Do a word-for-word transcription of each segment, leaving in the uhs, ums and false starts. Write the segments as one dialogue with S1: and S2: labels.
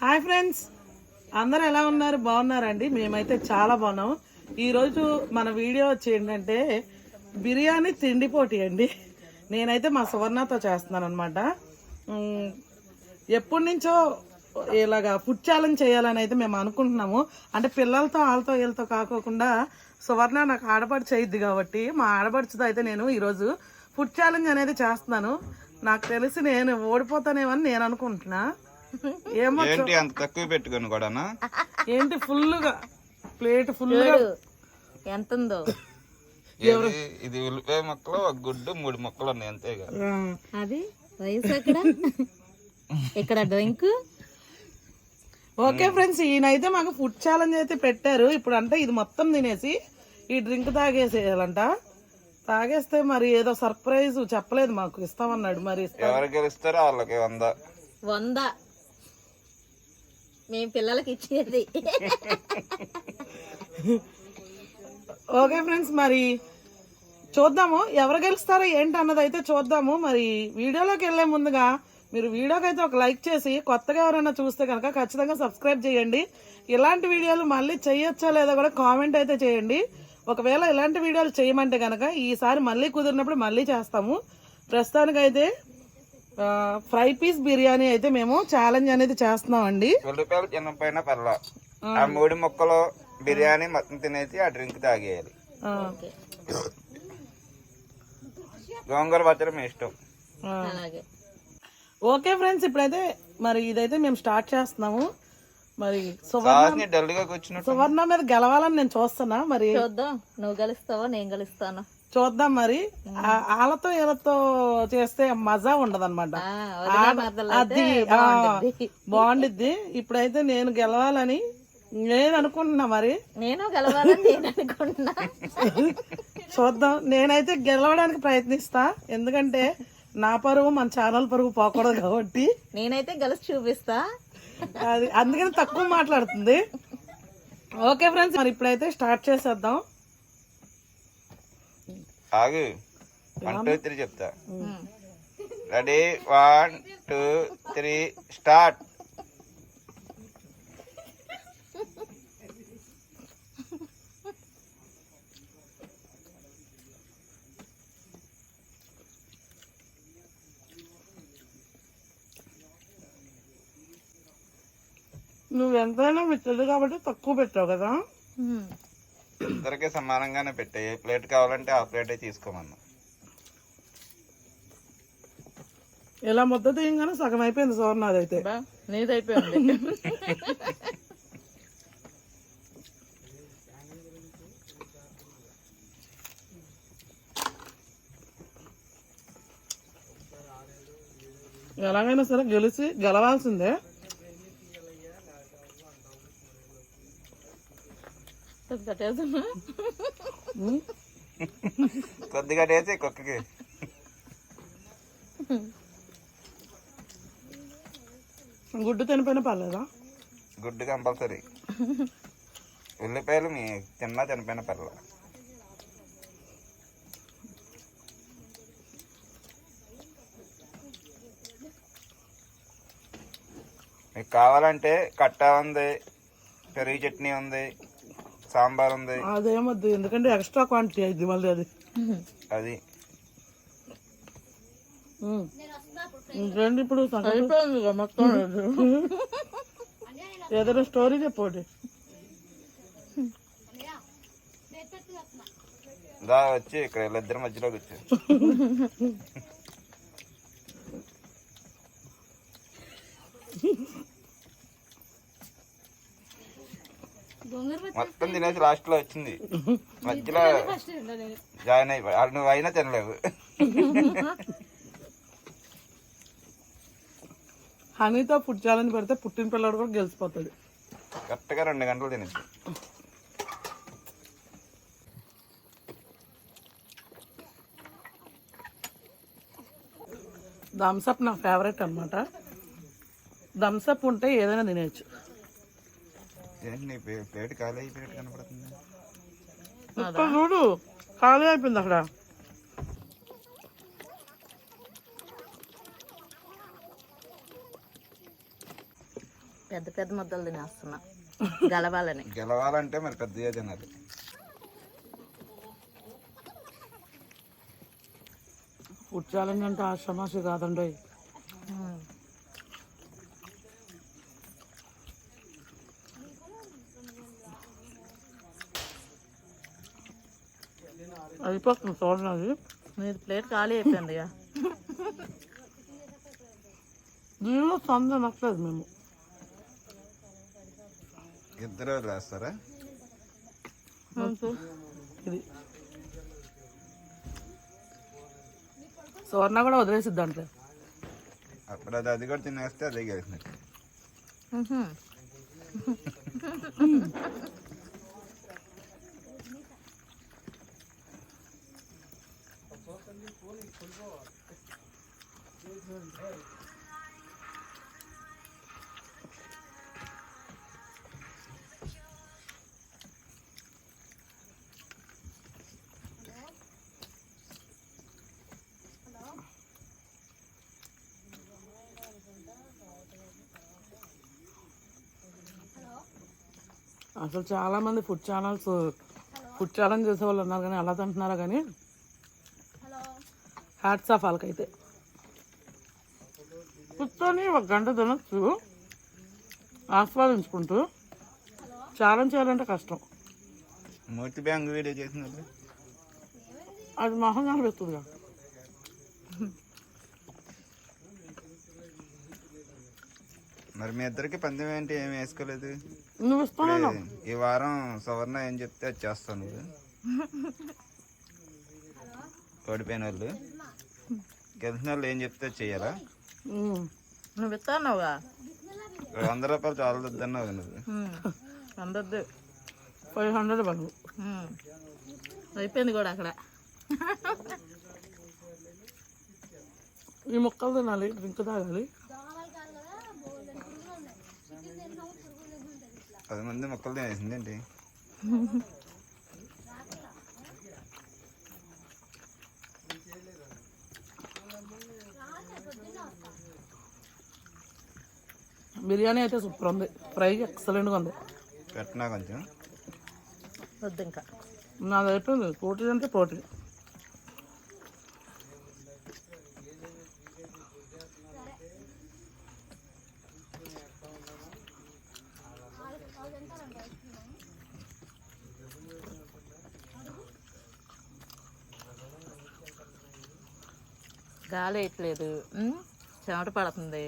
S1: Hi friends, అందరూ ఎలా ఉన్నారు? బాగున్నారండి? మేమైతే చాలా బాగున్నాము. ఈరోజు మన వీడియో వచ్చి ఏంటంటే బిర్యానీ తిండి పోటీ అండి. నేనైతే మా సువర్ణతో చేస్తున్నాను అనమాట. ఎప్పటి నుంచో ఇలాగా ఫుడ్ ఛాలెంజ్ చేయాలని అయితే మేము అనుకుంటున్నాము. అంటే పిల్లలతో వాళ్ళతో వీళ్ళతో కాకోకుండా సువర్ణ నాకు ఆడపడుచు అయ్యిద్ది కాబట్టి మా ఆడపడుచుతో అయితే నేను ఈరోజు ఫుడ్ ఛాలెంజ్ అనేది చేస్తున్నాను. నాకు తెలిసి నేను ఓడిపోతానేమని నేను అనుకుంటున్నా. ఏమో
S2: ఏంటి అంత తక్కువ పెట్టుకొని కూడానా?
S1: ఏంటి ఫుల్గా ప్లేట్ ఫుల్గా
S3: ఎంత ఉందో?
S2: ఇది ఉల్లిపాయ మొక్కలు, ఒక గుడ్డు, మూడు మొక్కలు ఉన్నాయి అంతే కదా.
S3: అది వయసు అక్కడ ఇక్కడ డ్రింక్.
S1: ఓకే ఫ్రెండ్స్, ఈయనైతే మాకు ఫుడ్ ఛాలెంజ్ అయితే పెట్టారు. ఇప్పుడు అంటే ఇది మొత్తం తినేసి ఈ డ్రింక్ తాగేసేయాలంట. తాగేస్తే మరి ఏదో సర్ప్రైజ్ చెప్పలేదు మాకు, ఇస్తామన్నాడు. మరి
S2: ఎవరు గెలుస్తారో వాళ్ళకి వంద
S3: వంద మేము పిల్లలకి ఇచ్చేది.
S1: ఓకే ఫ్రెండ్స్, మరి చూద్దాము ఎవరు గెలుస్తారో ఏంటి అన్నది అయితే చూద్దాము. మరి వీడియోలోకి వెళ్లే ముందుగా మీరు వీడియోకి అయితే ఒక లైక్ చేసి, కొత్తగా ఎవరైనా చూస్తే కనుక ఖచ్చితంగా సబ్స్క్రైబ్ చేయండి. ఇలాంటి వీడియోలు మళ్ళీ చేయొచ్చా లేదా కూడా కామెంట్ అయితే చేయండి. ఒకవేళ ఇలాంటి వీడియోలు చేయమంటే కనుక ఈసారి మళ్ళీ కుదిరినప్పుడు మళ్ళీ చేస్తాము. ప్రస్తుతానికైతే ఫ్రై పీస్ బిర్యానీ అయితే మేము ఛాలెంజ్ అనేది చేస్తున్నాం అండి.
S2: ఉల్లిపాయలు చిన్న పైన పర్ల ఆ మూడు మొక్కలు బిర్యానీ మొత్తం తినేసి ఆ డ్రింక్ తాగేయాలి. గోంగూర పచ్చడి మీ ఇష్టం.
S1: ఓకే ఫ్రెండ్స్, ఇప్పుడైతే మరి ఇదైతే మేము స్టార్ట్ చేస్తున్నాము. మరి సువర్ణ
S2: డల్ గా కూర్చున్నట్టు
S1: సువర్ణ మీద గెలవాలని నేను చూస్తున్నా. మరి
S3: చూద్దాం, నువ్వు గెలుస్తావో నేను గెలుస్తాను
S1: చూద్దాం. మరి వాళ్ళతో వీళ్ళతో చేస్తే మజా ఉండదు అనమాట. అది బాగుండిద్ది. ఇప్పుడైతే నేను గెలవాలని నేను అనుకుంటున్నా. మరి
S3: నేను గెలవాలని నేను అనుకుంటున్నా.
S1: చూద్దాం. నేనైతే గెలవడానికి ప్రయత్నిస్తా, ఎందుకంటే నా పరువు మన ఛానల్ పరువు పోకూడదు కాబట్టి.
S3: నేనైతే గెలిచి చూపిస్తా.
S1: అది అందుకని తక్కువ మాట్లాడుతుంది. ఓకే ఫ్రెండ్స్, మరి ఇప్పుడైతే స్టార్ట్ చేసేద్దాం.
S2: ఆగు, వన్ టూ త్రీ చెప్తా. Ready, one two three start.
S1: నువ్వు ఎంతైనా మిచ్చదు కాబట్టి తక్కువ పెట్టావు కదా.
S2: ఇద్దరికి సమానంగానే పెట్టే. ఏ ప్లేట్ కావాలంటే ఆ ప్లేటే తీసుకోమన్నా.
S1: ఇలా ముద్ద తీయంగానే సగం అయిపోయింది సువర్ణ. అదైతే
S3: నీదైపోయింది.
S1: ఎలాగైనా సరే గెలిచి గెలవాల్సిందే.
S2: కొద్దిగా టేసి కుక్కకి.
S1: గుడ్డు తినిపోయిన పర్లేదా?
S2: గుడ్డు కంపల్సరీ. ఉల్లిపాయలు మీ తిన్నా తినిపోయిన పర్లేదు. మీకు కావాలంటే కట్టా ఉంది, పెరుగు చట్నీ ఉంది, సాంబార్ ఉంది.
S1: అదేమొద్దు, ఎందుకంటే ఎక్స్ట్రా క్వాంటిటీ అయింది మళ్ళీ అది.
S2: అది
S1: ఇంకేంటి ఇప్పుడు మొత్తం ఏదైనా స్టోరీ చెప్పండి.
S2: దా వచ్చి ఇక్కడ వీళ్ళిద్దరి మధ్యలో కూర్చో. మొత్తం తినేసి లాస్ట్ లో వచ్చింది, మధ్యలో జాయిన్ అయిపోయి. నువ్వు అయినా తినలేవు.
S1: హనీతో ఫుడ్ ఛాలెంజ్ పెడితే పుట్టిన పిల్లడు కూడా గెలిచిపోతాడు.
S2: కరెక్ట్ గా రెండు గంటలు తినేసి.
S1: థమ్స్అప్ నా ఫేవరెట్ అనమాట. థమ్స్అప్ ఉంటే ఏదైనా తినేయచ్చు.
S2: ప్లేట్ ఖాళీ అయిపోయినట్టు కనపడుతుంది.
S1: చూడు, ఖాళీ అయిపోయింది అక్కడ.
S3: పెద్ద పెద్ద ముద్దలు తినేస్తున్నా గలవాలని.
S2: గెలవాలంటే మరి పెద్దగా తినాలి.
S1: ఫుడ్ ఛాలెంజ్ అంటే ఆశ్రమాసి కాదండి.
S3: ఉమ్.
S1: అయిపోతుంది చూడండి.
S3: మీది ప్లేట్ ఖాళీ అయిపోయింది ఇక.
S1: దీనిలో సంద నచ్చలేదు మేము.
S2: ఇద్దరు వేస్తారా?
S1: ఇది సువర్ణ కూడా వదిలేసిద్ది అంటే
S2: అప్పుడు అది అది కూడా తినేస్తే అదే గెలిచినట్టు.
S3: ఉహు.
S1: అసలు చాలా మంది ఫుడ్ ఛానల్స్ ఫుడ్ ఛాలెంజ్ చేసే వాళ్ళు ఉన్నారు కానీ అలా తింటున్నారా కానీ హ్యాట్స్ ఆఫ్ వాళ్ళకైతే. కూర్చొని ఒక గంట తినొచ్చు ఆస్వాదించుకుంటూ. ఛాలెంజ్ చేయాలంటే కష్టం.
S2: మూర్తి బ్యాంక్ వీడియో చేసినప్పుడు
S1: అది మొహం కనిపిస్తుందిగా.
S2: మరి మీ ఇద్దరికి పందెం ఏంటి? ఏమి వేసుకోలేదు.
S1: నువ్వు ఇస్తాను.
S2: ఈ వారం సవర్ణ ఏం చెప్తే అది చేస్తాను. ఓడిపోయిన వాళ్ళు గెలిచిన వాళ్ళు ఏం చెప్తే చెయ్యాలా?
S3: నువ్వు ఇస్తావుగా
S2: వంద రూపాయలు చాలా వద్దన్నావు నువ్వు.
S3: అందద్దు
S1: ఫైవ్ హండ్రెడ్ వాళ్ళు
S3: అయిపోయింది కూడా అక్కడ.
S1: ఈ మొక్కలు తినాలి, డ్రింక్ తాగాలి.
S2: పది మంది మొక్కలు తినేసింది ఏంటి?
S1: బిర్యానీ అయితే సూపర్ ఉంది. ఫ్రై ఎక్సలెంట్గా ఉంది.
S2: పెట్టినా కొంచెం
S3: వద్దు ఇంకా.
S1: నాది అయిపోయింది. ప్రోటీన్ అంటే ప్రోటీన్.
S3: గాలి వేయట్లేదు, చెమట పడుతుంది.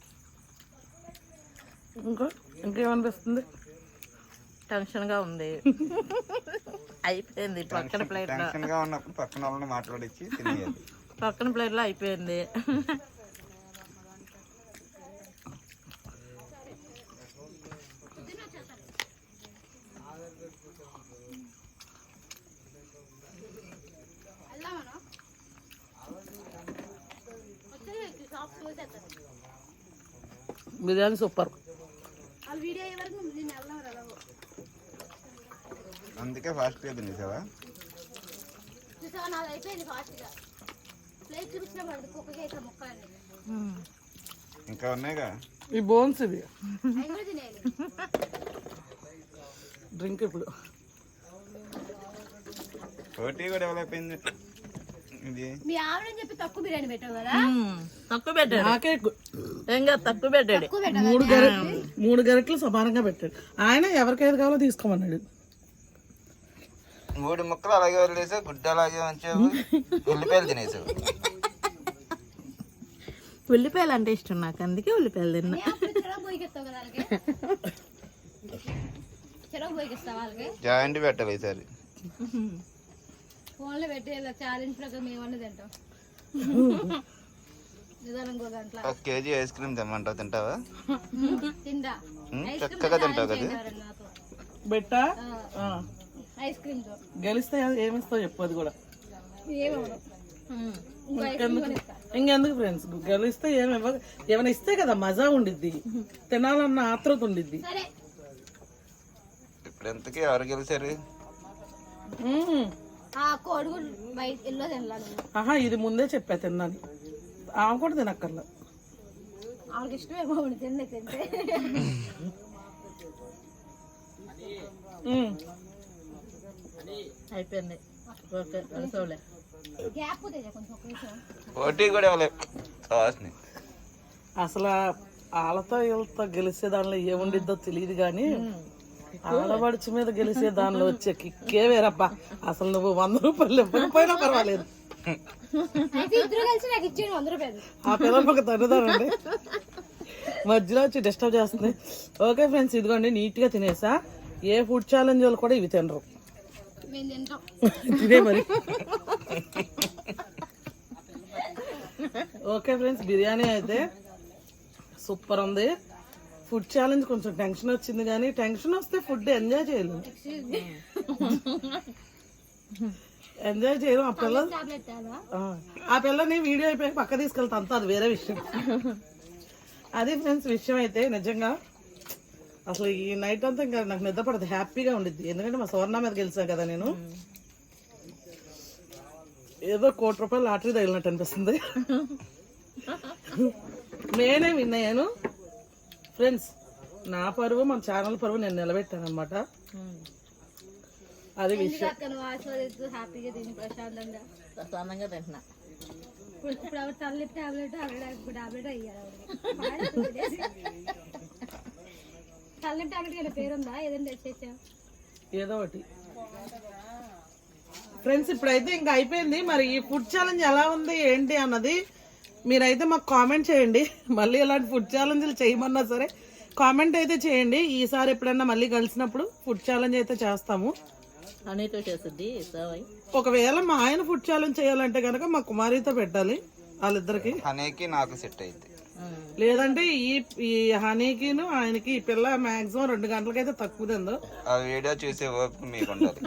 S1: ఇంకా ఇంకేమనిపిస్తుంది?
S3: టెన్షన్గా ఉంది. అయిపోయింది పక్కన ప్లేట్లో.
S2: టెన్షన్ గా ఉన్నప్పుడు పక్కన వాళ్ళని మాట్లాడించి తినేయాలి.
S3: పక్కన ప్లేట్లో అయిపోయింది.
S1: బిర్యానీ సూపర్.
S2: అందుకే ఫాస్ట్ గా తినేసావా? ఇంకా ఉన్నాయిగా
S1: ఈ బోన్స్ ఇవి. డ్రింక్ ఇప్పుడు
S2: పోటీ కూడా డెవలప్ అయింది. ఇది
S4: మీ ఆవిడని చెప్పి తక్కువ బిర్యానీ పెట్టావు కదా?
S3: తక్కువ పెట్టాడు.
S1: నాకే
S3: ఇంకా తక్కువ పెట్టాడు.
S1: మూడు గరి మూడు గరిటలు సమానంగా పెట్టాడు. ఆయన ఎవరికైతే కావాలో తీసుకోమన్నాడు.
S2: మూడు ముక్కలు అలాగే వదిలేసావు, గుడ్డ అలాగే ఉంచావు, ఉల్లిపాయలు తినేసావు.
S3: ఉల్లిపాయలు అంటే ఇష్టం నాకు, అందుకే ఉల్లిపాయలు తిన్నా.
S4: చెరవ పోయిస్తావు కదా వాళ్ళకి? చెరవ పోయిస్తావు వాళ్ళకి?
S2: జాయింట్ పెట్టాలి ఈసారి.
S4: ఫోన్లో పెట్టి ఛాలెంజ్ ప్రకారం ఏమన్నా తింటాం. నిదానం ఇంకో గంటల
S2: ఒక కేజీ ఐస్ క్రీమ్ తెమ్మంటావు, తింటావా?
S4: తిందా
S2: చక్కగా తింటావు కదా.
S1: బెట్టా
S4: ఐస్ క్రీమ్ తో
S1: గెలిస్తే ఏమిస్తావు చెప్పు. అది కూడా
S4: ఏమవడం.
S1: ఇంకెందుకు ఫ్రెండ్స్, గెలిస్తే ఏమి ఇవ్వ ఏమైనా ఇస్తే కదా మజా ఉండిద్ది, తినాలన్న ఆత్రత ఉండిద్ది.
S4: సరే
S2: ఇప్పుడు ఎంతకి ఎవరు గెలిచారు?
S4: ఆ కోడిగుడ్లు బయట ఎల్లో తినలా నువ్వు.
S1: ఆహా, ఇది ముందే చెప్పా తిన్నాను. ఆమె కూడా తినక్కర్లా.
S4: వాళ్ళకి ఇష్టమే బాగుంది తిండి తింటే
S1: ఉమ్.
S3: అయిపోయింది ఓకే కలిసోలే
S4: గ్యాప్ తెచ్చా కొంచెం ఒక నిమిషం
S2: పోటీ కూడా ఇవ్వలేదు కావాల్సింది.
S1: అసలు వాళ్ళతో వీళ్ళతో గెలిచే దానిలో ఏముండిద్దో తెలియదు కానీ ఆడబడుచు మీద గెలిచే దానిలో వచ్చే కిక్కే వేరబ్బా. అసలు నువ్వు వంద రూపాయలు ఇవ్వకపోయినా పర్వాలేదు,
S4: అయితే ఇద్దరు కలిసి నాకు ఇచ్చేయండి వంద రూపాయలు.
S1: ఆ పిల్లలు ఒక తండ్రిదారండి మధ్యలో వచ్చి డిస్టర్బ్ చేస్తుంది. ఓకే ఫ్రెండ్స్, ఇదిగోండి నీట్గా తినేసా. ఏ ఫుడ్ ఛాలెంజ్ వాళ్ళు కూడా ఇవి తినరు,
S4: మేము తింటాం.
S1: ఇదే మరి. ఓకే ఫ్రెండ్స్, బిర్యానీ అయితే సూపర్ ఉంది. ఫుడ్ ఛాలెంజ్ కొంచెం టెన్షన్ వచ్చింది, కానీ టెన్షన్ వస్తే ఫుడ్ ఎంజాయ్ చేయలేము, ఎంజాయ్ చేయలేము. ఆ పిల్ల
S4: టాబ్లెట్ తాగా
S1: ఆ, ఆ పిల్లని వీడియో అయిపోయి పక్క తీసుకెళ్తా అంతా, అది వేరే విషయం. అది ఫ్రెండ్స్ విషయం అయితే నిజంగా అసలు ఈ నైట్ అంతా ఇంకా నాకు నిద్ర పడదు, హ్యాపీగా ఉండిద్ది. ఎందుకంటే మా సువర్ణ మీద గెలిచాను కదా నేను. ఏదో కోటి రూపాయలు లాటరీ తగిలినట్టు అనిపిస్తుంది. నేనే విన్ అయ్యాను ఫ్రెండ్స్. నా పరువు మన ఛానల్ పరువు నేను నిలబెట్టాను అనమాట. అది విషయం.
S4: అక్కడ ఆస్వాదిస్తూ హ్యాపీగా తిని ప్రశాంతంగా
S3: ప్రశాంతంగా తింటున్నా.
S4: ఇప్పుడు ఇప్పుడు ఆవిడ తల్లి టాబ్లెట్ ఆవిడ టాబ్లెట్ అయ్యారు తల్లి టాబ్లెట్ కానీ పేరుందా ఏదైనా తెచ్చేసా
S1: ఏదో ఒకటి ఫ్రెండ్స్. ఇప్పుడైతే ఇంకా అయిపోయింది. మరి ఈ ఫుడ్ ఛాలెంజ్ ఎలా ఉంది ఏంటి అన్నది మీరైతే మాకు కామెంట్ చేయండి. మళ్ళీ ఇలాంటి ఫుడ్ ఛాలెంజ్లు చేయమన్నా సరే కామెంట్ అయితే చేయండి. ఈసారి ఎప్పుడన్నా మళ్ళీ కలిసినప్పుడు ఫుడ్ ఛాలెంజ్ అయితే చేస్తాము.
S3: హనీతో చేస్తుంది సవాయి.
S1: ఒకవేళ మా ఆయన ఫుడ్ ఛాలెంజ్ చేయాలంటే కనుక మా కుమారితో పెట్టాలి వాళ్ళిద్దరికి,
S2: హనీకి నాకు సెట్ అయింది.
S1: లేదంటే ఈ ఈ హనీకిను ఆయనకి ఈ పిల్ల మాక్సిమం రెండు గంటలకైతే తక్కువ తిందో.
S2: ఆ వీడియో చూసే ఓపిక మీకు ఉండాలి.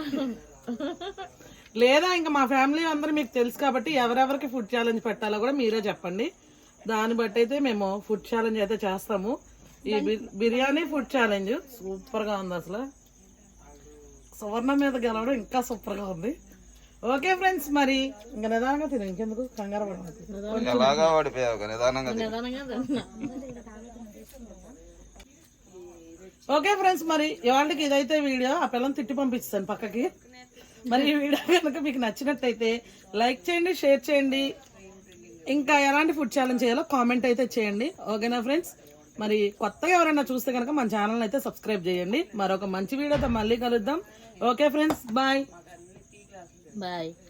S1: లేదా ఇంకా మా ఫ్యామిలీ అందరూ మీకు తెలుసు కాబట్టి ఎవరెవరికి ఫుడ్ ఛాలెంజ్ పెట్టాలో కూడా మీరే చెప్పండి. దాన్ని బట్టి అయితే మేము ఫుడ్ ఛాలెంజ్ అయితే చేస్తాము. ఈ బి- బిర్యానీ ఫుడ్ ఛాలెంజ్ సూపర్ గా ఉంది. అసలు సువర్ణ మీద గెలవడం ఇంకా సూపర్ గా ఉంది. ఓకే ఫ్రెండ్స్, మరి ఇంకా నిదానంగా తిను, ఇంకెందుకు కంగారు పడదు.
S2: ఎలాగా ఓడిపోయావు నిదానంగా తిను.
S3: నిదానంగా తింటున్నా.
S1: ఓకే ఫ్రెండ్స్, మరి ఇవాళకి ఇదైతే వీడియో. ఆ పిల్లని తిట్టి పంపిస్తాను పక్కకి. మరి ఈ వీడియో కనుక మీకు నచ్చినట్టయితే లైక్ చేయండి, షేర్ చేయండి. ఇంకా ఎలాంటి ఫుడ్ ఛాలెంజ్ చేయాలో కామెంట్ అయితే చేయండి. ఓకేనా ఫ్రెండ్స్, మరి కొత్తగా ఎవరైనా చూస్తే కనుక మన ఛానల్ అయితే సబ్స్క్రైబ్ చేయండి. మరొక మంచి వీడియోతో మళ్ళీ కలుద్దాం. Okay friends, bye
S3: bye.